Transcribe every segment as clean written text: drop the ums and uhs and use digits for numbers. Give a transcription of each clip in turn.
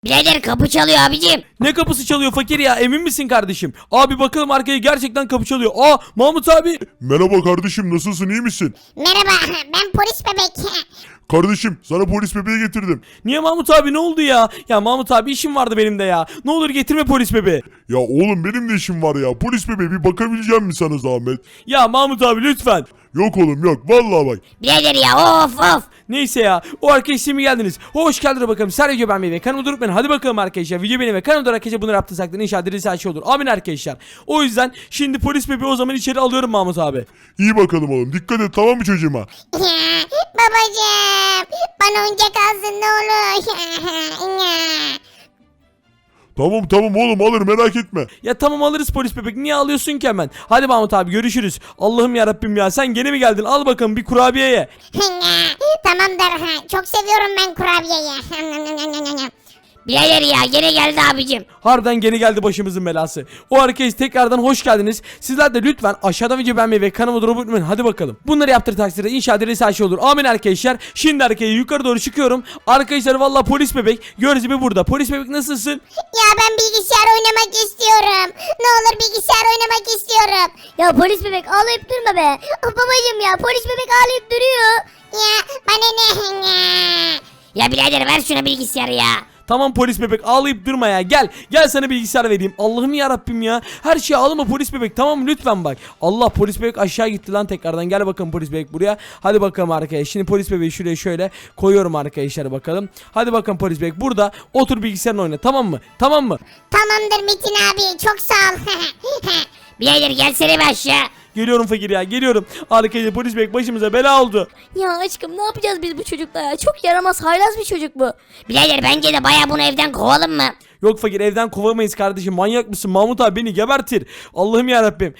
Birader kapı çalıyor abicim. Ne kapısı çalıyor fakir ya, emin misin kardeşim? Abi bakalım arkaya, gerçekten kapı çalıyor. Aa, Mahmut abi. Merhaba kardeşim, nasılsın, iyi misin? Merhaba ben polis bebek. Kardeşim, sana polis bebeği getirdim. Niye Mahmut abi, ne oldu ya? Ya Mahmut abi, işim vardı benim de ya. Ne olur getirme polis bebeği. Ya oğlum, benim de işim var ya. Polis bebeği, bir bakabileceğim mi sana zahmet? Ya Mahmut abi lütfen. Yok oğlum yok, vallahi bak. Birader ya of. Neyse ya, o arkadaşlar mi geldiniz? Hoş geldiniz bakalım. Sergio ben ve kanalıma durup ben. Hadi bakalım arkadaşlar. Video benim ve kanalımda arkadaşlar bunları yaptıysak da inşallah dirisi her şey olur. Amin arkadaşlar. O yüzden şimdi polis bebeği o zaman içeri alıyorum Mahmut abi. İyi bakalım oğlum, dikkat et, tamam mı çocuğuma? Babacım bana oyuncak alsın ne olur. Tamam oğlum, alır, merak etme. Ya tamam, alırız polis bebek. Niye alıyorsun ki hemen? Hadi Mahmut abi, görüşürüz. Allah'ım ya Rabbim ya, sen gene mi geldin? Al bakalım bir kurabiye ye. Tamamdır. Çok seviyorum ben kurabiyeyi. Birader ya gene geldi abicim. Harbiden gene geldi başımızın belası. O arkadaş tekrardan hoş geldiniz. Sizler de lütfen aşağıdan video beğenmeyi ve kanalıma durup unutmayın. Hadi bakalım. Bunları yaptır takdirde inşallah dirisi her şey olur. Amin arkadaşlar. Şimdi arkaya yukarı doğru çıkıyorum. Arkadaşlar vallahi polis bebek gördüğünüz gibi burada. Polis bebek nasılsın? Ya ben bilgisayar oynamak istiyorum. Ne olur bilgisayar oynamak istiyorum. Ya polis bebek ağlayıp durma be. Babacım ya polis bebek ağlayıp duruyor. Ya bana ne? Ya birader ver şuna bilgisayarı ya. Tamam polis bebek, ağlayıp durma ya. Gel sana bilgisayar vereyim. Allah'ım ya Rabbim ya. Her şeyi ağlama polis bebek, tamam mı? Lütfen bak. Allah, polis bebek aşağı gitti lan tekrardan. Gel bakalım polis bebek buraya. Hadi bakalım arkadaşlar. Şimdi polis bebeği şuraya şöyle koyuyorum arkadaşlar bakalım. Hadi bakalım polis bebek burada. Otur bilgisayarını oyna, tamam mı? Tamam mı? Tamamdır Metin abi çok sağ ol. Birader gelsene bir aşağı. Geliyorum fakir ya, geliyorum. Arkadaşlar polis bebek başımıza bela oldu. Ya aşkım ne yapacağız biz bu çocukla ya? Çok yaramaz haylaz bir çocuk bu. Birader bence de baya bunu evden kovalım mı? Yok fakir, evden kovamayız kardeşim. Manyak mısın? Mahmut abi beni gebertir. Allah'ım ya Rabbim.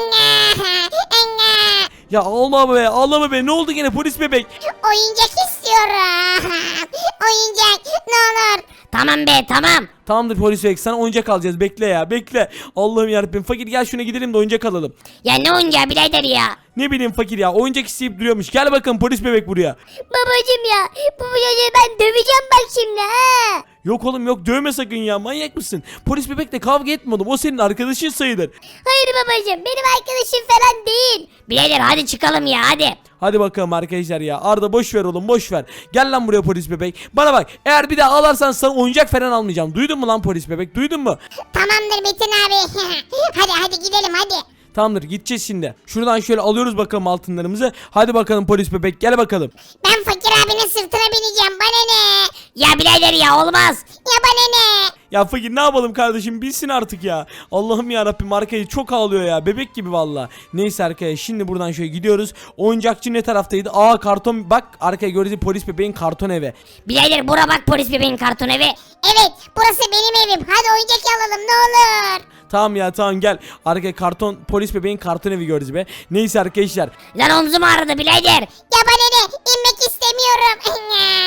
Ya ağlama be. Ne oldu gene polis bebek? Oyuncak istiyorum. Oyuncak ne olur. Tamam be tamam. Tamamdır polis bebek, sana oyuncak alacağız. Bekle ya, bekle. Allah'ım yarabbim. Fakir gel şuna gidelim de oyuncak alalım. Ya ne oyuncağı birader ya. Ne bileyim fakir ya, oyuncak isteyip duruyormuş. Gel bakın polis bebek buraya. Babacım ya bu çocuğu ben döveceğim bak şimdi ha. Yok oğlum yok, dövme sakın ya, manyak mısın? Polis bebekle kavga etme oğlum, o senin arkadaşın sayılır. Hayır babacım benim arkadaşım falan değil. Birader hadi çıkalım ya hadi. Hadi bakalım arkadaşlar ya. Arda boş ver oğlum, boş ver. Gel lan buraya polis bebek. Bana bak, eğer bir daha ağlarsan sana oyuncak falan almayacağım. Duydun mu lan polis bebek, duydun mu? Tamamdır Metin abi. hadi gidelim hadi. Tamamdır, gideceğiz şimdi. Şuradan şöyle alıyoruz bakalım altınlarımızı. Hadi bakalım polis bebek, gel bakalım. Ben fakir abinin sırtına bineceğim bana ne? Ya birader ya olmaz. Ya bana ne? Ya fakir ne yapalım kardeşim, bilsin artık ya. Allah'ım ya Rabbim, arkayı çok ağlıyor ya, bebek gibi valla. Neyse arkaya, şimdi buradan şöyle gidiyoruz. Oyuncakçı ne taraftaydı? Aa, karton, bak arkaya gördüğünüz polis bebeğin karton evi. Birader bura bak polis bebeğin karton evi. Evet burası benim evim. Hadi oyuncak alalım ne olur. Tamam ya, tamam gel. Arkaya karton, polis bebeğin karton evi gördünüz be. Neyse arkadaşlar. Lan omzum ağrıdı birader. Ya bana ne? İnmek istemiyorum.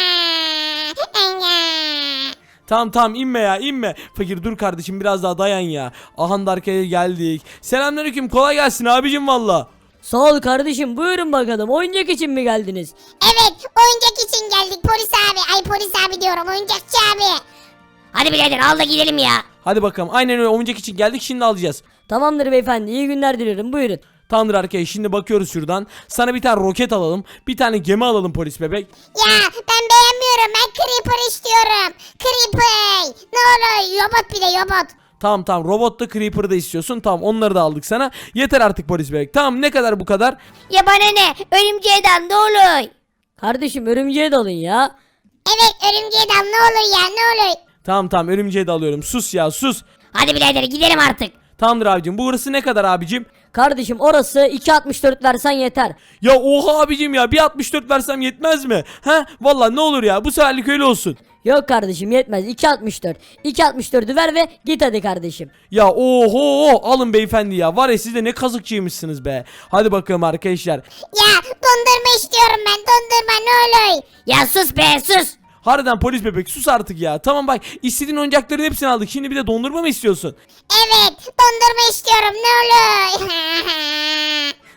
Tamam inme ya, inme. Fakir dur kardeşim, biraz daha dayan ya. Aha da arkaya geldik. Selamünaleyküm, kolay gelsin abicim valla. Sağ ol kardeşim, buyurun bakalım, oyuncak için mi geldiniz? Evet oyuncak için geldik polis abi. Ay polis abi diyorum oyuncakçı abi. Hadi birader al da gidelim ya. Hadi bakalım, aynen öyle, oyuncak için geldik, şimdi alacağız. Tamamdır beyefendi, iyi günler dilerim, buyurun. Tamamdır arkadaşlar, şimdi bakıyoruz şuradan. Sana bir tane roket alalım. Bir tane gemi alalım polis bebek. Ya ben beğenmiyorum. Ben Creeper istiyorum. Creeper. Ne olur robot bir de robot. Tamam robotla creeper'ı da istiyorsun. Tamam, onları da aldık sana. Yeter artık polis bebek. Tamam, ne kadar bu kadar? Ya bana ne? Örümceğe dal ne olur. Kardeşim örümceğe dalın ya. Evet örümceğe dal ne olur ya ne olur. Tamam örümceği de alıyorum. Sus ya, sus. Hadi birader gidelim artık. Tamamdır abicim. Burası ne kadar abicim? Kardeşim orası 2.64 versen yeter. Ya oha abicim ya, bir 64 versem yetmez mi? He? Vallahi ne olur ya, bu seferlik öyle olsun. Yok kardeşim yetmez, 2.64. 2.64'ü ver ve git hadi kardeşim. Ya oho, alın beyefendi ya. Var ya, siz de ne kazıkçıymışsınız be. Hadi bakalım arkadaşlar. Ya dondurma istiyorum ben dondurma ne olur. Ya sus be sus. Harbiden polis bebek, sus artık ya. Tamam bak, istediğin oyuncakların hepsini aldık. Şimdi bir de dondurma mı istiyorsun? Evet dondurma istiyorum ne olur.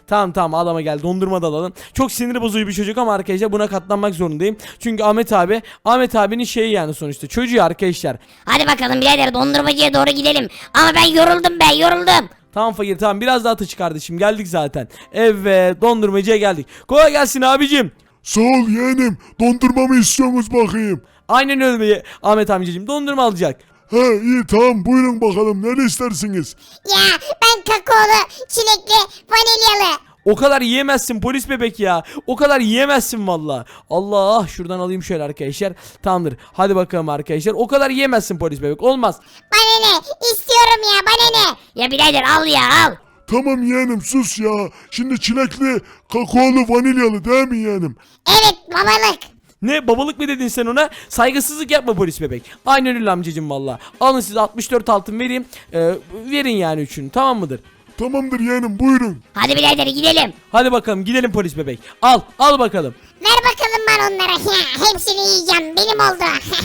Tamam tamam adama gel, dondurma da alalım. Çok sinir bozucu bir çocuk ama arkadaşlar buna katlanmak zorundayım. Çünkü Ahmet abinin şeyi yani sonuçta çocuğu arkadaşlar. Hadi bakalım birader dondurmacıya doğru gidelim. Ama ben yoruldum. Tamam fakir tamam, biraz daha atış kardeşim, geldik zaten. Evet, dondurmacıya geldik. Kolay gelsin abicim. Sağ ol yeğenim. Dondurma mı istiyorsunuz bakayım? Aynen öyle Ahmet amcacığım, dondurma alacak. He iyi tamam buyurun bakalım ne istersiniz? Ya ben kakaolu, çilekli, vanilyalı. O kadar yiyemezsin polis bebek ya. O kadar yiyemezsin valla. Allah, şuradan alayım şöyle arkadaşlar. Tamamdır. Hadi bakalım arkadaşlar. O kadar yiyemezsin polis bebek. Olmaz. Bana ne? İstiyorum ya bana ne? Ya birader al ya al. Tamam yeğenim sus ya. Şimdi çilekli, kakaolu, vanilyalı değil mi yeğenim? Evet babalık. Ne babalık mı dedin sen ona? Saygısızlık yapma polis bebek. Aynen öyle amcacığım valla. Alın size 64 altın vereyim. Verin yani üçünü, tamam mıdır? Tamamdır yeğenim buyurun. Hadi birader gidelim. Hadi bakalım gidelim polis bebek. Al bakalım. Ver bakalım ben onlara. Hepsini yiyeceğim. Benim oldu.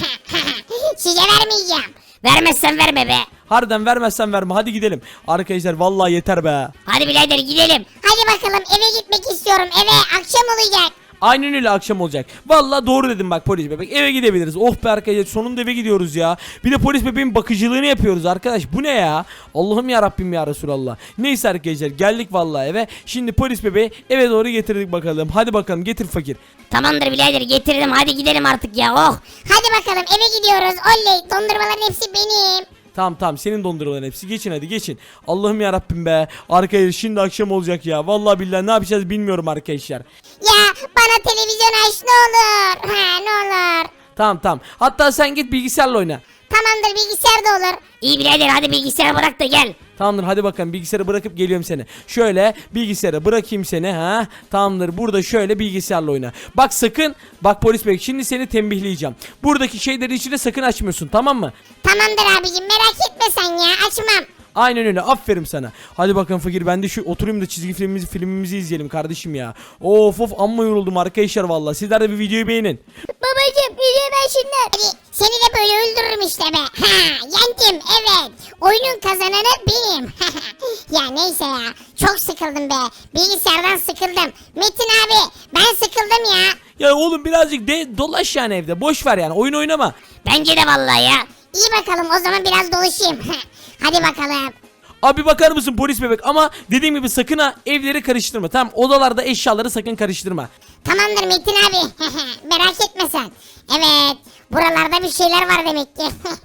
Size vermeyeceğim. Vermezsen verme be. Harbiden vermezsen verme, hadi gidelim. Arkadaşlar vallahi yeter be. Hadi birader gidelim. Hadi bakalım eve gitmek istiyorum. Eve akşam olacak. Aynen öyle, akşam olacak. Vallahi doğru dedim bak polis bebek. Eve gidebiliriz. Oh be arkadaşlar, sonunda eve gidiyoruz ya. Bir de polis bebeğin bakıcılığını yapıyoruz arkadaş. Bu ne ya? Allah'ım ya Rabbim ya Resulallah. Neyse arkadaşlar, geldik vallahi eve. Şimdi polis bebeği eve doğru getirdik bakalım. Hadi bakalım getir fakir. Tamamdır birader getirdim. Hadi gidelim artık ya. Oh. Hadi bakalım eve gidiyoruz. Oley dondurmaların hepsi benim. Tamam senin dondurmaların hepsi. Geçin hadi geçin. Allah'ım ya Rabbim be. Arkadaşlar şimdi akşam olacak ya. Vallahi billahi ne yapacağız bilmiyorum arkadaşlar. Ya bana televizyon aç ne olur. Ne olur. Tamam. Hatta sen git bilgisayarla oyna. Tamamdır bilgisayar da olur. İyi birader hadi bilgisayarı bırak da gel. Tamamdır hadi bakalım, bilgisayarı bırakıp geliyorum seni. Şöyle bilgisayarı bırakayım seni ha. Tamamdır, burada şöyle bilgisayarla oyna. Bak sakın, bak polis bey şimdi seni tembihleyeceğim. Buradaki şeyleri içine sakın açmıyorsun, tamam mı? Tamamdır abicim merak etme sen ya açmam. Aynen öyle, aferin sana. Hadi bakalım fakir, ben de şu oturayım da çizgi filmimizi izleyelim kardeşim ya. Of amma yoruldum arkadaşlar vallahi. Sizler de bir videoyu beğenin. Babacım videoyu ben şimdi. Hadi seni de böyle öldürürüm işte be. Yendim evet. Oyunun kazananı benim. Ya neyse ya. Çok sıkıldım be. Bilgisayardan sıkıldım. Metin abi ben sıkıldım ya. Ya oğlum birazcık dolaş yani evde. Boş ver yani, oyun oynama. Bence de vallahi ya. İyi bakalım o zaman biraz dolaşayım. Hadi bakalım. Abi bakar mısın polis bebek, ama dediğim gibi sakın ha evleri karıştırma, tamam, odalarda eşyaları sakın karıştırma. Tamamdır Metin abi. Merak etme sen. Evet. Buralarda bir şeyler var demek ki.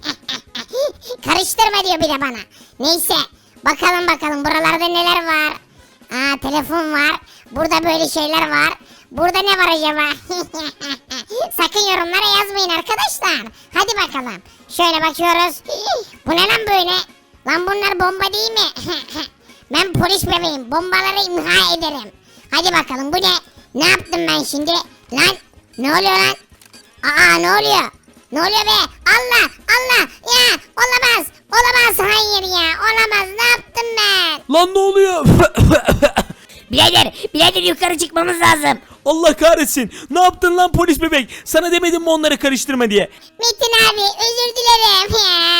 Karıştırma diyor bir de bana. Neyse. Bakalım buralarda neler var. Aa telefon var. Burada böyle şeyler var. Burada ne var acaba? Sakın yorumlara yazmayın arkadaşlar. Hadi bakalım. Şöyle bakıyoruz. Bu ne lan böyle? Lan bunlar bomba değil mi? Ben polis bebeğim. Bombaları imha ederim. Hadi bakalım bu ne? Ne yaptım ben şimdi? Lan ne oluyor lan? Aa ne oluyor? Ne oluyor be? Allah ya olamaz hayır ya olamaz ne yaptım ben? Lan ne oluyor? Birader yukarı çıkmamız lazım. Allah kahretsin. Ne yaptın lan polis bebek? Sana demedim mi onları karıştırma diye? Metin abi özür dilerim.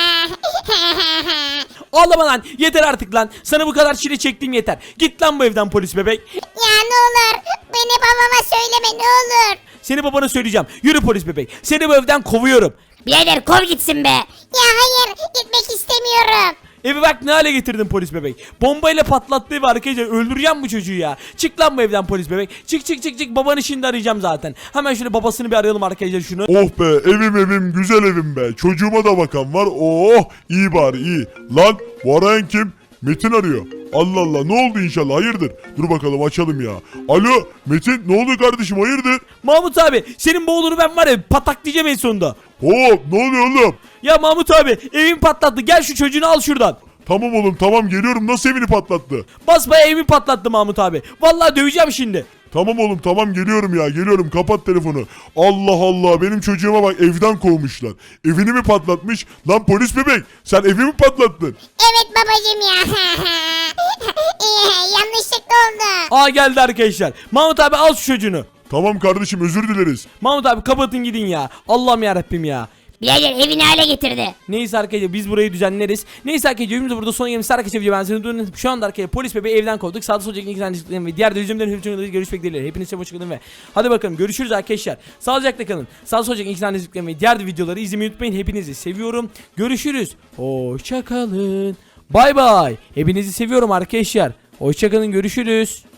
Ağlama lan. Yeter artık lan. Sana bu kadar çile çektiğim yeter. Git lan bu evden polis bebek. Ya ne olur beni babama söyleme ne olur. Seni babana söyleyeceğim. Yürü polis bebek. Seni bu evden kovuyorum. Birader kov gitsin be. Ya hayır gitmek istemiyorum. Evi bak ne hale getirdin polis bebek. Bombayla patlattı evi arkadaşlar. Öldüreceğim bu çocuğu ya. Çık lan bu evden polis bebek. Çık. Babanı şimdi arayacağım zaten. Hemen şöyle babasını bir arayalım arkadaşlar şunu. Oh be evim güzel evim be. Çocuğuma da bakan var. Oh iyi bari iyi. Lan bu arayan kim? Metin arıyor. Allah Allah ne oldu inşallah hayırdır? Dur bakalım açalım ya. Alo Metin ne oldu kardeşim hayırdır? Mahmut abi senin bu oğlunu ben var ya pataklayacağım en sonunda. Hop ne oluyor oğlum? Ya Mahmut abi evimi patlattı. Gel şu çocuğunu al şuradan. Tamam oğlum tamam geliyorum nasıl evini patlattı? Basbaya evimi patlattı Mahmut abi. Vallahi döveceğim şimdi. Tamam oğlum tamam geliyorum ya geliyorum kapat telefonu. Allah Allah benim çocuğuma bak evden kovmuşlar. Evini mi patlatmış? Lan polis bebek sen evi mi patlattın? Evet babacım ya. Yanlışlıkla oldu. Aa geldi arkadaşlar. Mahmut abi al şu çocuğunu. Tamam kardeşim özür dileriz. Mahmut abi kapatın gidin ya. Allah'ım yarabbim ya. Birader evini hale getirdi. Neyse arkadaşlar biz burayı düzenleriz. Neyse arkadaşlar videomuz da burada sona gelmiş. Arkadaşlar video ben seni durdum. Şu anda arkadaşlar polis bebeği evden kovduk. Sağda solda ilk tane ve diğer de yüzümden hepsini görüşmek dileğiyle. Hepinize hoşça kalın ve hadi bakalım görüşürüz arkadaşlar. Sağlıcakla kalın. Sağda solda ilk tane ve diğer de videoları izlemeyi unutmayın. Hepinizi seviyorum. Görüşürüz. Hoşça kalın. Bay bay. Hepinizi seviyorum arkadaşlar. Hoşça kalın. Görüşürüz.